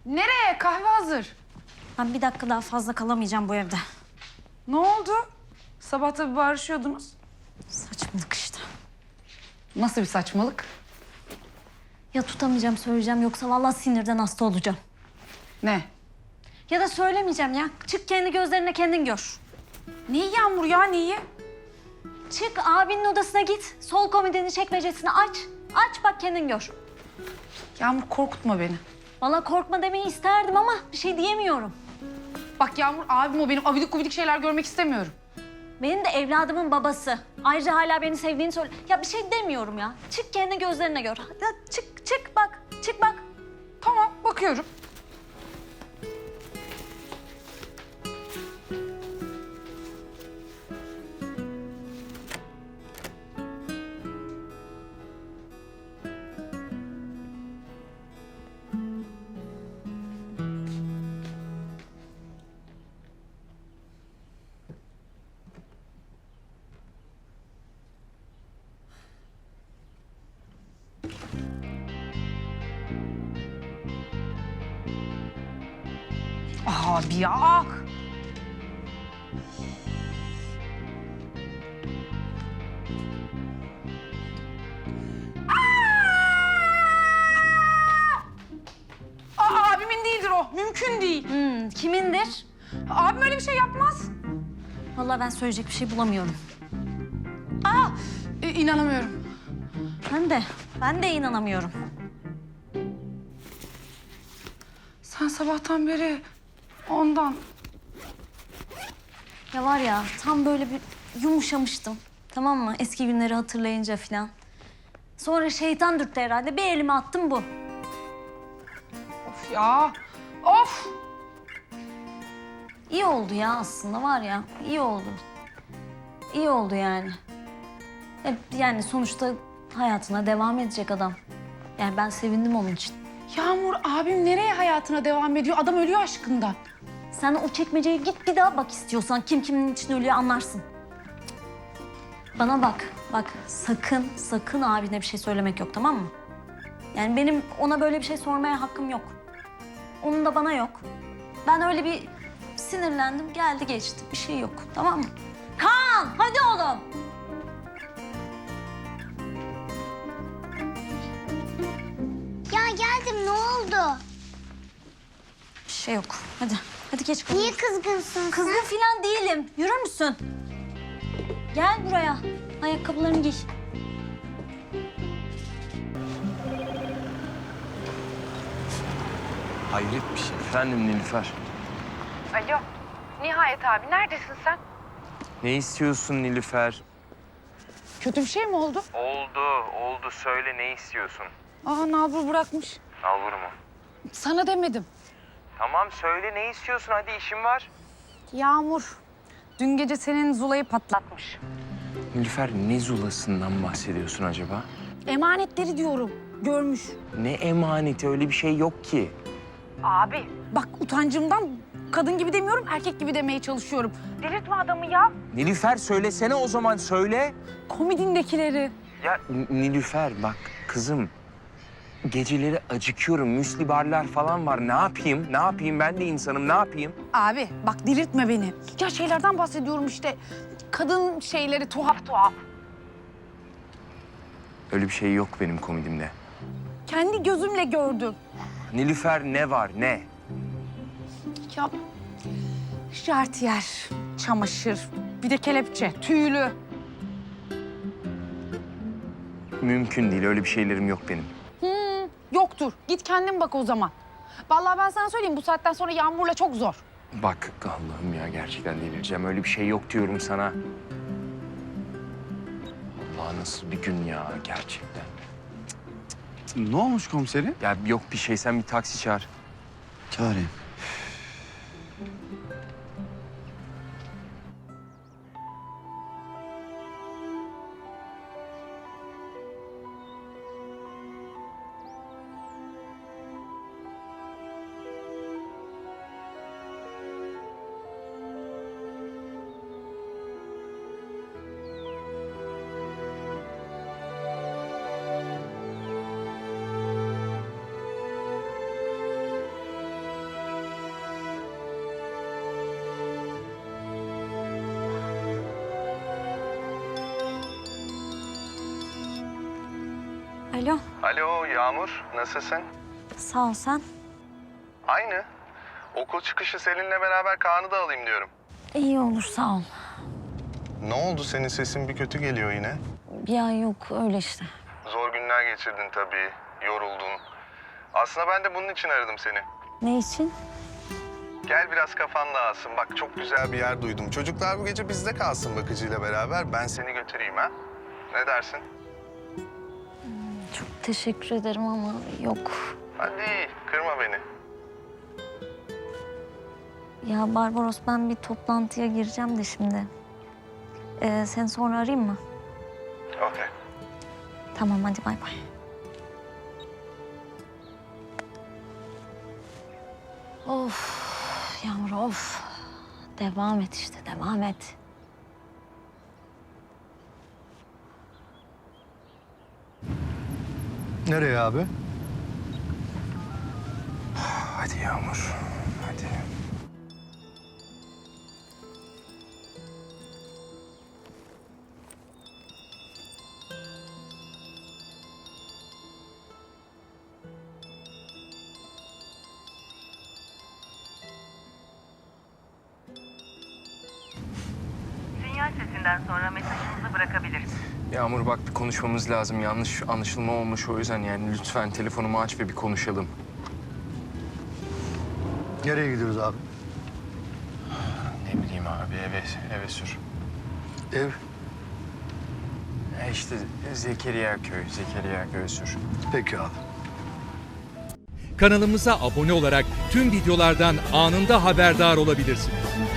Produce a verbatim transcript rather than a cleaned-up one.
Nereye? Kahve hazır. Ben bir dakika daha fazla kalamayacağım bu evde. Ne oldu? Sabah tabii barışıyordunuz. Saçmalık işte. Nasıl bir saçmalık? Ya tutamayacağım söyleyeceğim yoksa vallahi sinirden hasta olacağım. Ne? Ya da söylemeyeceğim ya. Çık kendi gözlerine kendin gör. Neyi Yağmur ya, neyi? Çık abinin odasına git. Sol komodinin çekmecesini aç. Aç bak kendin gör. Yağmur korkutma beni. Vallahi korkma demeyi isterdim ama bir şey diyemiyorum. Bak Yağmur, abim o, benim abidik gubidik şeyler görmek istemiyorum. Benim de evladımın babası. Ayrıca hala beni sevdiğini söyle. Ya bir şey demiyorum ya. Çık kendi gözlerine gör. Ya çık çık bak. Çık bak. Tamam, bakıyorum. Abi ya. Aa, abimin değildir o. Mümkün değil. Hmm, kimindir? Abim öyle bir şey yapmaz. Vallahi ben söyleyecek bir şey bulamıyorum. Aa, e, inanamıyorum. Ben de. Ben de inanamıyorum. Sen sabahtan beri ondan. Ya var ya tam böyle bir yumuşamıştım. Tamam mı? Eski günleri hatırlayınca falan. Sonra şeytan dürttü herhalde. Bir elime attım bu. Of ya. Of. İyi oldu ya aslında var ya. İyi oldu. İyi oldu yani. Hep yani sonuçta hayatına devam edecek adam. Yani ben sevindim onun için. Yağmur, abim nereye hayatına devam ediyor? Adam ölüyor aşkından. Sen o çekmeceye git bir daha bak istiyorsan. Kim kimin için ölüyor anlarsın. Bana bak, bak sakın, sakın abine bir şey söylemek yok tamam mı? Yani benim ona böyle bir şey sormaya hakkım yok. Onun da bana yok. Ben öyle bir sinirlendim, geldi geçti. Bir şey yok, tamam mı? Kaan, hadi oğlum. Ya geldim, ne oldu? Bir şey yok. Hadi, hadi geç kalın. Niye kızgınsın Kızgın sen? falan değilim. Yürür müsün? Gel buraya. Ayakkabılarını giy. Hayret bir şey. Efendim Nilüfer. Alo. Nihayet abi, neredesin sen? Ne istiyorsun Nilüfer? Kötü bir şey mi oldu? Oldu, oldu. Söyle ne istiyorsun? Aa, nalbur bırakmış. Nalbur mu? Sana demedim. Tamam söyle ne istiyorsun? Hadi işim var. Yağmur, dün gece senin Zula'yı patlatmış. Nilüfer ne zulasından bahsediyorsun acaba? Emanetleri diyorum, görmüş. Ne emaneti? Öyle bir şey yok ki. Abi. Bak utancımdan kadın gibi demiyorum, erkek gibi demeye çalışıyorum. Delirtme adamı ya. Nilüfer söylesene o zaman söyle. Komodindekileri. Ya N- Nilüfer bak kızım. Geceleri acıkıyorum. Müsli barlar falan var. Ne yapayım? Ne yapayım? Ben de insanım. Ne yapayım? Abi bak delirtme beni. Ya şeylerden bahsediyorum işte. Kadın şeyleri tuhaf tuhaf. Öyle bir şey yok benim komedimde. Kendi gözümle gördüm. Nilüfer ne var? Ne? Ya jartiyer, çamaşır, bir de kelepçe, tüylü. Mümkün değil. Öyle bir şeylerim yok benim. Hmm, yoktur. Git kendin bak o zaman. Vallahi ben sana söyleyeyim, bu saatten sonra Yağmur'la çok zor. Bak Allah'ım ya gerçekten delireceğim. Öyle bir şey yok diyorum sana. Allah nasıl bir gün ya gerçekten. Ne olmuş komiserim? Ya yok bir şey sen bir taksi çağır. Çağırayım. Alo Yağmur, nasılsın? Sağ ol sen. Aynı. Okul çıkışı seninle beraber Kaan'ı da alayım diyorum. İyi olur sağ ol. Ne oldu, senin sesin bir kötü geliyor yine? Ya yok öyle işte. Zor günler geçirdin tabii, yoruldun. Aslında ben de bunun için aradım seni. Ne için? Gel biraz kafan dağılsın. Bak çok güzel bir yer duydum. Çocuklar bu gece bizde kalsın bakıcıyla beraber. Ben seni götüreyim ha. Ne dersin? Çok teşekkür ederim ama yok. Hadi kırma beni. Ya Barbaros ben bir toplantıya gireceğim de şimdi. Ee, seni sonra arayayım mı? Okey. Tamam hadi bay bay. Of Yağmur of. Devam et işte devam et. Nereye abi? Hadi Yağmur, hadi. Sinyal sesinden sonra mesajınızı bırakabilirsiniz. Yağmur bak bir konuşmamız lazım. Yanlış anlaşılma olmuş o yüzden yani lütfen telefonumu aç ve bir konuşalım. Nereye gidiyoruz abi? Ne bileyim abi eve, eve sür. Ev. E işte Zekeriya köy, Zekeriya köy sür. Peki abi. Kanalımıza abone olarak tüm videolardan anında haberdar olabilirsiniz.